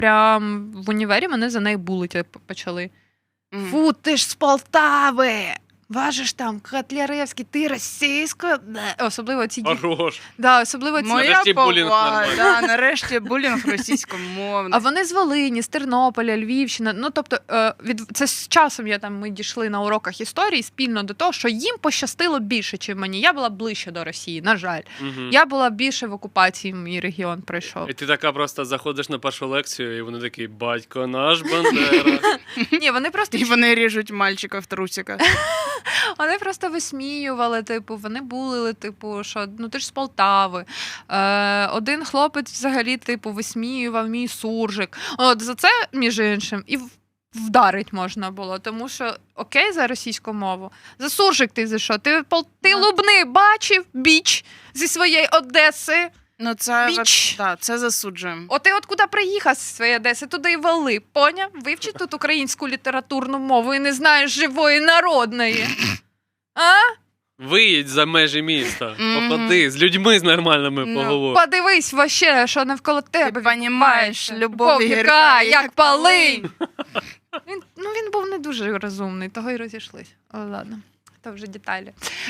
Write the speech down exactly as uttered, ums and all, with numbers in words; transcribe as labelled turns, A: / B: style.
A: прям в універі мене за неї булити почали.
B: Мгм.
A: Фу, ти ж з Полтави! Важиш там Котляревський, ти російська? Бе. Особливо ці діти.
C: Хорош.
A: Да, особливо ці...
B: Моя
C: Нарешті булінг
B: повага,
C: нормальний.
B: да, нарешті булінг російськомовний.
A: А вони з Волині, з Тернополя, Львівщина. Ну, тобто, е, від... це з часом я там, ми дійшли на уроках історії спільно до того, що їм пощастило більше, ніж мені. Я була ближче до Росії, на жаль.
C: Угу.
A: Я була більше в окупації, мій регіон пройшов.
C: І ти така просто заходиш на першу лекцію, і вони такі, батько наш Бандера.
A: Ні, вони просто
B: І вони ріжуть мальчика в трусиках.
A: Вони просто висміювали, типу, вони булили, типу, що ну ти ж з Полтави. Е, один хлопець взагалі, типу, висміював мій суржик. От за це, між іншим, і в- вдарить можна було, тому що окей за російську мову. За суржик ти за що? Ти, пол- ти
B: Ну.
A: Лубни бачив, біч, зі своєї Одеси.
B: Ну, це,
A: Біч.
B: да, це засуджуємо.
A: От ти от куди приїхав зі своєї Одеси, туди й вали, поняв? Вивчи тут українську літературну мову і не знаєш живої народної. А?
C: Виїдь за межі міста,
B: Мгм.
C: походи, з людьми з нормальними
B: Ну,
C: поговори.
A: Подивись вообще, що навколо тебе.
B: Ти понімаєш,
A: відбувається.
B: любов
A: гірка,
B: гірка,
A: як
B: як
A: полинь. Він, ну, він був не дуже розумний, того й розійшлись. О, ладно, то вже деталі.